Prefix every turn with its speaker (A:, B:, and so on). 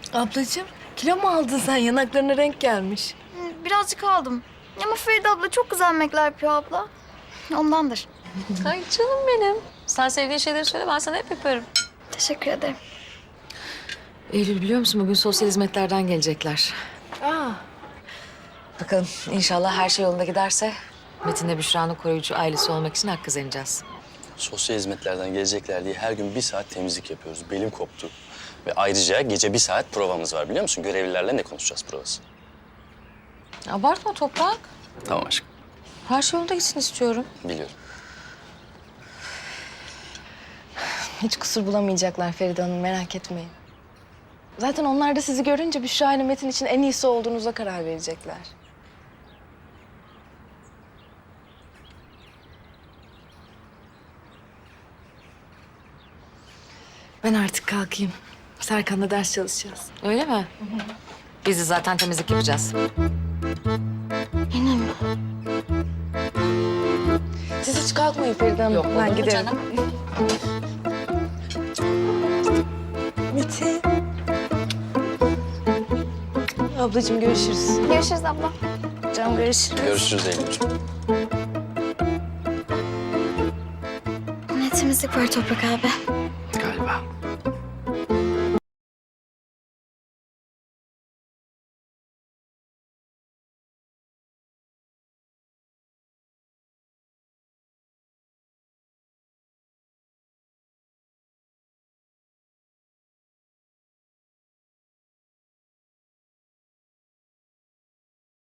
A: Ablacığım kilo mu aldın sen? Yanaklarına renk gelmiş.
B: Birazcık aldım. Ama Feride abla çok güzel yemekler yapıyor abla. Ondandır.
C: Ay canım benim. Sen sevdiğin şeyleri söyle, ben sana hep yaparım.
B: Teşekkür ederim.
C: Eylül biliyor musun bugün sosyal hizmetlerden gelecekler.
A: Aa,
C: Bakalım inşallah her şey yolunda giderse Metin'le Büşra'nın koruyucu ailesi olmak için hak kazanacağız.
D: Sosyal hizmetlerden gelecekler diye her gün 1 saat temizlik yapıyoruz. Belim koptu. Ve ayrıca gece 1 saat provamız var biliyor musun? Görevlilerle ne konuşacağız provası?
C: Abartma Toprak.
D: Tamam aşkım.
C: Her şey yolunda gitsin istiyorum.
D: Biliyorum.
A: hiç kusur bulamayacaklar Feride Hanım, merak etmeyin. Zaten onlar da sizi görünce Büşra ile Metin için en iyisi olduğunuza karar verecekler. Ben artık kalkayım. Serkan'la ders çalışacağız.
C: Öyle mi? Biz de zaten temizlik yapacağız.
B: Yine mi?
A: Siz hiç kalkmayın Feride Hanım. Ben
C: olur mu
A: giderim.
C: canım?
A: Metin. Ablacığım görüşürüz.
B: Görüşürüz abla.
A: Canım görüşürüz.
D: Görüşürüz Eylül'cüğüm.
B: Ne temizlik var Toprak abi.